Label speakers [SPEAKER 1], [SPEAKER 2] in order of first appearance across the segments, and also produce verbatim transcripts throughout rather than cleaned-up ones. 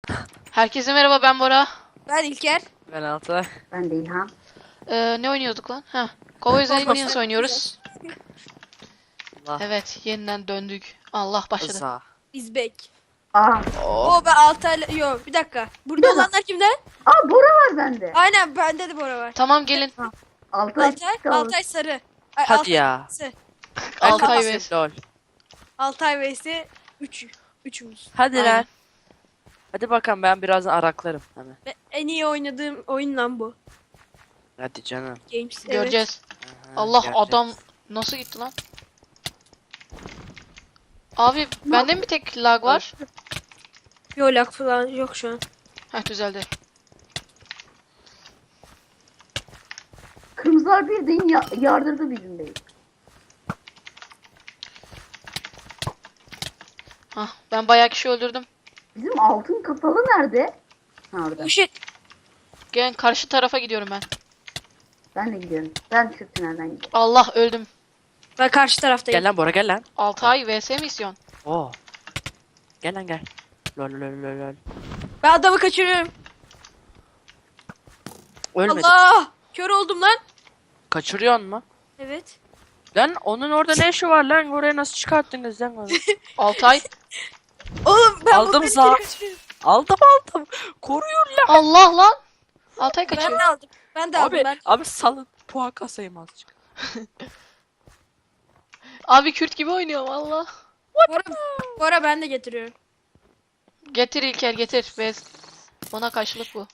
[SPEAKER 1] Herkese merhaba, ben Bora.
[SPEAKER 2] Ben İlker.
[SPEAKER 3] Ben Altay.
[SPEAKER 4] Ben de İlhan.
[SPEAKER 1] Ee, ne oynuyorduk lan? Ha. Cowboys Aliens oynuyoruz.
[SPEAKER 3] Allah.
[SPEAKER 1] Evet, yeniden döndük. Allah başladı.
[SPEAKER 3] Rıza.
[SPEAKER 2] İzbek.
[SPEAKER 4] Aa,
[SPEAKER 2] O ben Altay'la... Yok bir dakika. Burada
[SPEAKER 4] Bir dakika.
[SPEAKER 2] olanlar kimde?
[SPEAKER 4] aa Bora var bende.
[SPEAKER 2] Aynen bende de Bora var.
[SPEAKER 1] Tamam, gelin.
[SPEAKER 4] Altay.
[SPEAKER 2] Altay,
[SPEAKER 4] kaldı.
[SPEAKER 2] Altay sarı. Ay,
[SPEAKER 3] Hadi
[SPEAKER 2] Altay
[SPEAKER 3] ya.
[SPEAKER 2] sarı.
[SPEAKER 1] Altay
[SPEAKER 3] Ben
[SPEAKER 1] ve...
[SPEAKER 3] lol.
[SPEAKER 2] Altay vs üç. Üçümüz.
[SPEAKER 3] Hadi
[SPEAKER 1] Aynen.
[SPEAKER 3] lan. Hadi bakalım, ben birazdan araklarım. Hemen.
[SPEAKER 2] Ve en iyi oynadığım oyun lan bu.
[SPEAKER 3] Hadi canım.
[SPEAKER 2] Games. Evet.
[SPEAKER 1] Göreceğiz.
[SPEAKER 3] Aha,
[SPEAKER 1] Allah,
[SPEAKER 3] göreceğiz.
[SPEAKER 1] adam nasıl gitti lan? Abi, bende mi bir tek lag var?
[SPEAKER 2] Yok lag falan yok şu an.
[SPEAKER 1] Heh, düzeldi.
[SPEAKER 4] Kırmızılar bildiğin ya yardırdı bizim değil.
[SPEAKER 1] Hah, ben bayağı kişi öldürdüm.
[SPEAKER 4] Bizim altın kafalı nerede? Ha, orada.
[SPEAKER 2] Oh shit.
[SPEAKER 1] Gel, karşı tarafa gidiyorum ben.
[SPEAKER 4] Ben de gidiyorum. Ben şu tünelden gidiyorum.
[SPEAKER 1] Allah, öldüm.
[SPEAKER 2] Ben karşı taraftayım.
[SPEAKER 3] Gel lan Bora, gel lan.
[SPEAKER 1] Altay vs misyon.
[SPEAKER 3] Oo. Gel lan gel. Lol lol lol lol.
[SPEAKER 2] Ben adamı kaçırıyorum.
[SPEAKER 3] Ölmedi.
[SPEAKER 2] Allah! Kör oldum lan.
[SPEAKER 3] Kaçırıyorsun mu?
[SPEAKER 2] Evet.
[SPEAKER 3] Lan onun orada ne işi var lan? Oraya nasıl çıkarttınız lan onu?
[SPEAKER 1] Altay.
[SPEAKER 2] Oğlum ben
[SPEAKER 3] Aldım
[SPEAKER 2] buradakini
[SPEAKER 3] sağ.
[SPEAKER 2] kaçırıyorum.
[SPEAKER 3] Aldım aldım. Koruyun lan.
[SPEAKER 1] Allah lan. Altay
[SPEAKER 2] Ben
[SPEAKER 1] kaçıyor.
[SPEAKER 2] de aldım. Ben de aldım
[SPEAKER 3] Abi,
[SPEAKER 2] ben.
[SPEAKER 3] abi salın. Puan kasayım azıcık.
[SPEAKER 1] Abi, Kürt gibi oynuyorum Allah.
[SPEAKER 2] Bora, Bora ben de getiriyorum.
[SPEAKER 1] Getir İlker, getir. Bez. Bana karşılık bu.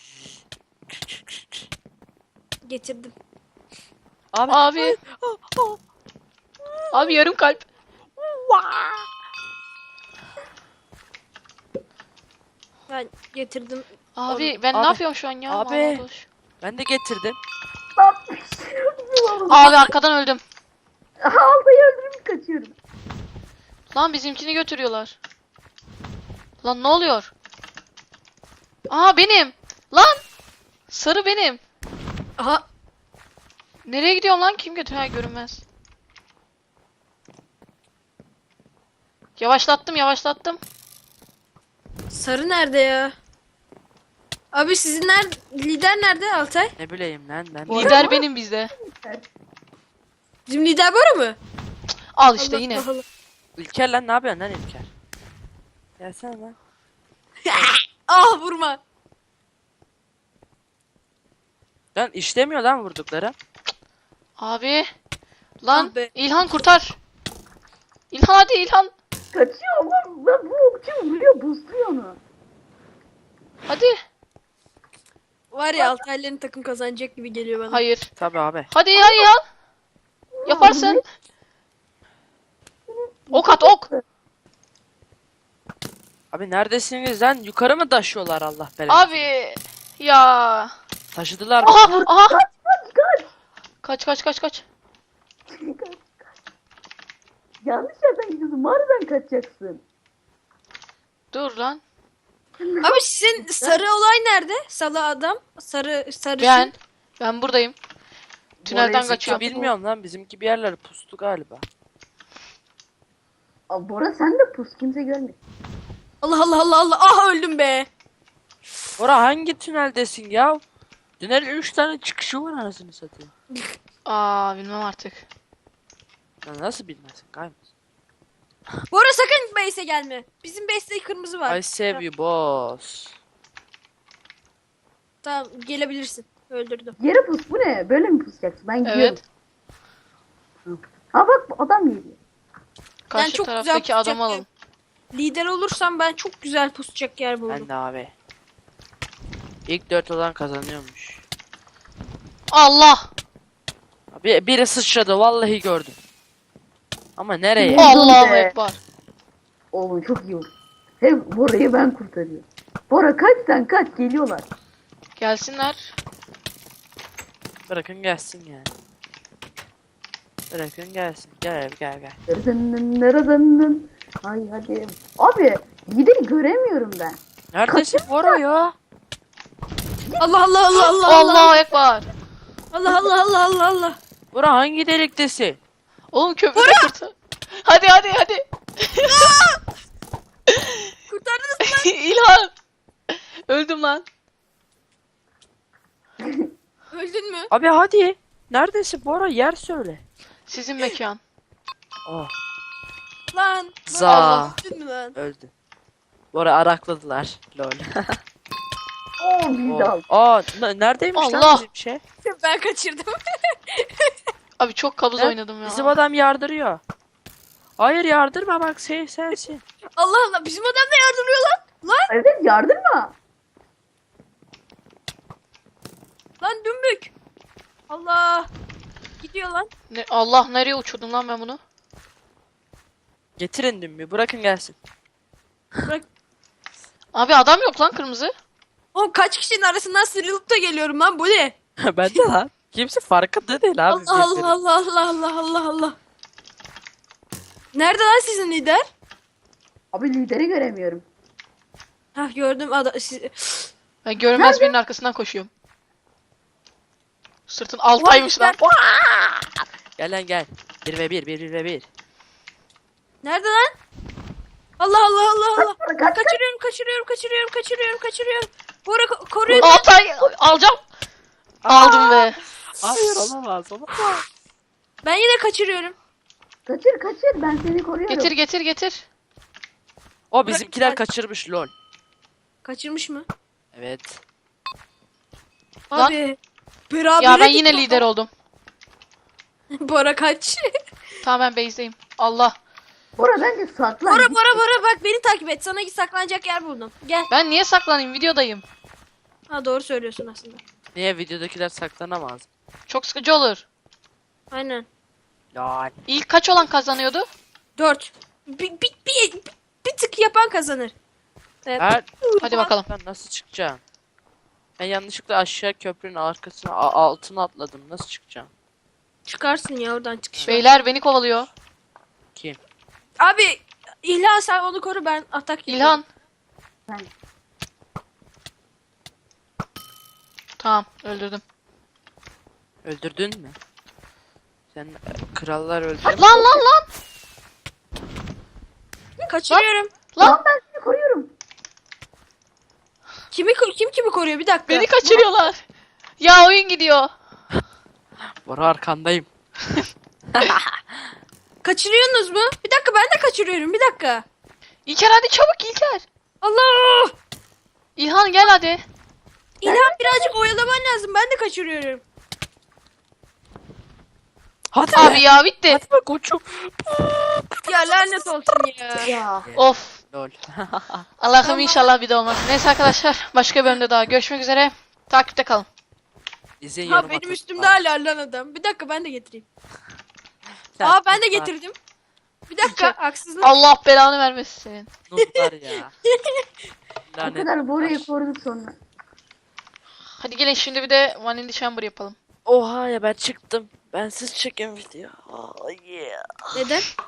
[SPEAKER 2] Getirdim.
[SPEAKER 3] Abi.
[SPEAKER 1] Abi. Abi, yarım kalp.
[SPEAKER 2] Ben getirdim.
[SPEAKER 1] Abi, ben
[SPEAKER 3] Abi,
[SPEAKER 1] ne yapıyorum şu an ya?
[SPEAKER 3] abi.
[SPEAKER 1] Vallahi boş.
[SPEAKER 3] Ben de getirdim.
[SPEAKER 1] Abi, arkadan öldüm.
[SPEAKER 4] Altay'ı öldürüp kaçıyorum.
[SPEAKER 1] Lan, bizimkini götürüyorlar. Lan, ne oluyor? Aa, benim. Lan. Sarı benim.
[SPEAKER 2] Aha.
[SPEAKER 1] Nereye gidiyorum lan? Kim götürüyor? Ha, görünmez. Yavaşlattım, yavaşlattım.
[SPEAKER 2] Sarı nerede ya? Abi sizin nerede? Lider nerede Altay?
[SPEAKER 3] Ne bileyim lan ben.
[SPEAKER 1] Lider benim bizde.
[SPEAKER 2] Bizim lider Bora mı?
[SPEAKER 1] Al işte
[SPEAKER 2] Allah
[SPEAKER 1] yine.
[SPEAKER 2] Allah.
[SPEAKER 3] İlker lan, ne yapıyorsun lan İlker? Gelsene lan.
[SPEAKER 2] Ah vurma.
[SPEAKER 3] Lan işlemiyor lan vurdukları.
[SPEAKER 1] Abi. Lan,
[SPEAKER 2] Ah be.
[SPEAKER 1] İlhan kurtar. İlhan, hadi İlhan.
[SPEAKER 4] Kaçıyor oğlum. Ben bu okçu vuruyor, buzluyor onu.
[SPEAKER 1] Hadi.
[SPEAKER 2] Var ya Altay'ların takım kazanacak gibi geliyor bana.
[SPEAKER 1] Hayır.
[SPEAKER 3] Tabii abi.
[SPEAKER 1] Hadi hadi İlhan. Yaparsın. Ok at, ok.
[SPEAKER 3] Abi neredesiniz lan? Yukarı mı taşıyorlar Allah belanı?
[SPEAKER 1] Abi. Ya.
[SPEAKER 3] Taşıdılar mı?
[SPEAKER 1] Aha, aha.
[SPEAKER 4] Kaç kaç.
[SPEAKER 1] Kaç kaç kaç kaç.
[SPEAKER 4] Kaç kaç. Yanlış yerden gidiyorsun. Mağaradan kaçacaksın.
[SPEAKER 1] Dur lan.
[SPEAKER 2] Abi sizin sarı olay nerede? Sarı adam. Sarı sarı.
[SPEAKER 1] Ben. Ben buradayım. Tünelden
[SPEAKER 4] Oraya
[SPEAKER 3] Bizimki
[SPEAKER 1] kaçıyorum.
[SPEAKER 3] bilmiyorum lan, bizimki bir yerlere pustu galiba.
[SPEAKER 4] Aa, Bora sen de pus. Kimse görmüyor.
[SPEAKER 2] Allah Allah Allah Allah. Ah öldüm be.
[SPEAKER 3] Bora hangi tüneldesin ya? Tünelin üç tane çıkışı var anasını satayım.
[SPEAKER 1] Aa, bilmem artık.
[SPEAKER 3] Lan nasıl bilmezsin kaymaz.
[SPEAKER 2] Bora sakın base'e gelme. Bizim base'de kırmızı var.
[SPEAKER 3] I save you boss.
[SPEAKER 2] Tamam gelebilirsin. Öldürdüm.
[SPEAKER 4] Yere pus. Bu ne? Böyle mi pusacaksın? Ben gidiyorum.
[SPEAKER 1] Evet.
[SPEAKER 4] Ha bak, bu adam geliyor.
[SPEAKER 1] Karşı
[SPEAKER 2] çok güzel
[SPEAKER 1] taraftaki
[SPEAKER 2] tutacak
[SPEAKER 1] adamı alalım.
[SPEAKER 2] Lider olursam ben çok güzel pusacak yer buldum.
[SPEAKER 3] Ben de abi. İlk dört olan kazanıyormuş.
[SPEAKER 1] Allah.
[SPEAKER 3] Abi biri sıçradı vallahi gördüm. Ama nereye?
[SPEAKER 4] Oh.
[SPEAKER 1] Allahu
[SPEAKER 4] be.
[SPEAKER 1] ekber.
[SPEAKER 4] Oğlum çok iyi oldu. Hem Bora'yı ben kurtarıyorum. Bora kaç sen kaç, geliyorlar.
[SPEAKER 1] Gelsinler.
[SPEAKER 3] Bırakın gelsin yani. Bırakın gelsin. Gel gel gel.
[SPEAKER 4] Neredenin neredenin. Ay hadi. Abi lideri göremiyorum ben.
[SPEAKER 3] Neredesin Bora ya?
[SPEAKER 2] Allah Allah Allah Allah Allah.
[SPEAKER 1] Allahu ekber.
[SPEAKER 2] Allah Allah Allah Allah Allah.
[SPEAKER 3] Bora hangi deliktesin?
[SPEAKER 1] Oğlum, köprüde kurtar. Hadi hadi hadi.
[SPEAKER 2] Kurtardınız mı?
[SPEAKER 1] İlhan. Öldüm lan.
[SPEAKER 2] Öldün mü?
[SPEAKER 3] Abi hadi. Neredesin Bora? Yer söyle.
[SPEAKER 1] Sizin mekan.
[SPEAKER 3] Oh.
[SPEAKER 2] Lan.
[SPEAKER 3] Za.
[SPEAKER 2] Lan öldün mü lan?
[SPEAKER 3] Öldü. Bora arakladılar. Lol.
[SPEAKER 4] Oo biz de
[SPEAKER 3] Oh.
[SPEAKER 4] aldık.
[SPEAKER 3] Aa, n- neredeymiş
[SPEAKER 1] Allah.
[SPEAKER 3] lan bizim şey?
[SPEAKER 2] Ben kaçırdım.
[SPEAKER 1] Abi çok kabuz
[SPEAKER 3] Ben-
[SPEAKER 1] oynadım ya.
[SPEAKER 3] Bizim adam yardırıyor. Hayır yardırma bak sen sensin.
[SPEAKER 2] Allah Allah bizim adam da yardırıyor lan. Lan
[SPEAKER 4] Evet yardırma.
[SPEAKER 2] lan dümbük. Allah. Gidiyor lan.
[SPEAKER 1] Ne, Allah nereye uçurdum lan ben bunu?
[SPEAKER 3] Getirin dümbü bırakın gelsin.
[SPEAKER 2] Bırak.
[SPEAKER 1] Abi adam yok lan kırmızı.
[SPEAKER 2] Oğlum kaç kişinin arasından sıyrılıp da geliyorum lan bu ne?
[SPEAKER 3] Ben de lan. Kimse farkında değil abi.
[SPEAKER 2] Allah
[SPEAKER 3] birbirinin.
[SPEAKER 2] Allah Allah Allah Allah Allah. Nerede lan sizin lider?
[SPEAKER 4] Abi lideri göremiyorum.
[SPEAKER 2] Hah gördüm adam. Siz...
[SPEAKER 1] Ben görünmez birinin arkasından koşuyorum. Sırtın altaymış lan.
[SPEAKER 3] Gel lan gel. bir ve bir bir ve bir.
[SPEAKER 2] Nerede lan? Allah Allah Allah Allah.
[SPEAKER 4] Kaç, kaç, kaç.
[SPEAKER 2] Kaçırıyorum kaçırıyorum kaçırıyorum kaçırıyorum kaçırıyorum. Bora ko- koruyun.
[SPEAKER 1] Altay alacağım. Aldım be.
[SPEAKER 3] Hayır olamaz olamaz.
[SPEAKER 2] Ben yine kaçırıyorum.
[SPEAKER 4] Kaçır kaçır ben seni koruyorum.
[SPEAKER 1] Getir getir getir.
[SPEAKER 3] O bizimkiler
[SPEAKER 2] Bırak-
[SPEAKER 3] kaçırmış lol.
[SPEAKER 2] Kaçırmış mı?
[SPEAKER 3] Evet.
[SPEAKER 1] Lan.
[SPEAKER 2] Abi. Beraber
[SPEAKER 1] Ya ben yine lider oldum.
[SPEAKER 2] Bora kaç.
[SPEAKER 1] Tamam ben base'deyim. Allah.
[SPEAKER 4] Bora bence saklan.
[SPEAKER 2] Bora Bora Bora bak beni takip et. Sana saklanacak yer buldum. Gel.
[SPEAKER 1] Ben niye saklanayım? Videodayım.
[SPEAKER 2] Ha doğru söylüyorsun aslında.
[SPEAKER 3] Niye videodakiler saklanamaz?
[SPEAKER 1] Çok sıkıcı olur.
[SPEAKER 2] Aynen.
[SPEAKER 3] Lol.
[SPEAKER 1] İlk kaç olan kazanıyordu?
[SPEAKER 2] Dört. Bir, bir, bir, bir, bir tık yapan kazanır. Evet.
[SPEAKER 3] Ben
[SPEAKER 1] Hadi bakalım.
[SPEAKER 3] ben nasıl çıkacağım? Ben yanlışlıkla aşağı köprünün arkasına a- altına atladım. Nasıl çıkacağım?
[SPEAKER 2] Çıkarsın ya oradan çıkış var.
[SPEAKER 1] Beyler beni kovalıyor.
[SPEAKER 3] Kim?
[SPEAKER 2] Abi İlhan sen onu koru ben atak yapayım.
[SPEAKER 1] İlhan.
[SPEAKER 4] Ben-
[SPEAKER 1] Tamam öldürdüm.
[SPEAKER 3] Öldürdün mü? Sen e, krallar öldü.
[SPEAKER 1] Lan lan lan.
[SPEAKER 2] Kaçırıyorum.
[SPEAKER 1] Lan.
[SPEAKER 4] Lan ben seni koruyorum.
[SPEAKER 2] Kimi ko- kim kimi koruyor bir dakika.
[SPEAKER 1] Beni kaçırıyorlar. Ya oyun gidiyor.
[SPEAKER 3] Bora arkandayım.
[SPEAKER 2] Kaçırıyorsunuz mu? Bir dakika ben de kaçırıyorum bir dakika.
[SPEAKER 1] İlker hadi çabuk İlker.
[SPEAKER 2] Allah!
[SPEAKER 1] İlhan gel hadi.
[SPEAKER 2] İlhan birazcık oyalaman lazım ben de kaçırıyorum.
[SPEAKER 3] Hadi
[SPEAKER 1] Abi ya bitti.
[SPEAKER 3] Hadi be koçum.
[SPEAKER 2] Ya lanet olsun ya.
[SPEAKER 4] Ya.
[SPEAKER 1] Of.
[SPEAKER 3] Lol.
[SPEAKER 1] Allah'ım inşallah bir de olmaz. Neyse arkadaşlar başka bölümde daha görüşmek üzere. Takipte kalın.
[SPEAKER 3] İzin
[SPEAKER 2] Ha
[SPEAKER 3] yarım
[SPEAKER 2] benim
[SPEAKER 3] atın.
[SPEAKER 2] üstümde hala lan adam. Bir dakika ben de getireyim.
[SPEAKER 3] Sen
[SPEAKER 2] Aa ben de
[SPEAKER 3] nutlar-
[SPEAKER 2] getirdim. Bir dakika haksızlık.
[SPEAKER 1] Allah belanı vermesin senin.
[SPEAKER 3] Nutlar ya.
[SPEAKER 4] O
[SPEAKER 3] Lanet.
[SPEAKER 4] kadar Bora'yı koruduk sonra.
[SPEAKER 1] Hadi gelin şimdi bir de One in the Chamber yapalım.
[SPEAKER 3] Oha ya ben çıktım. Ben siz çekin video. Oh, yeah.
[SPEAKER 2] Neden?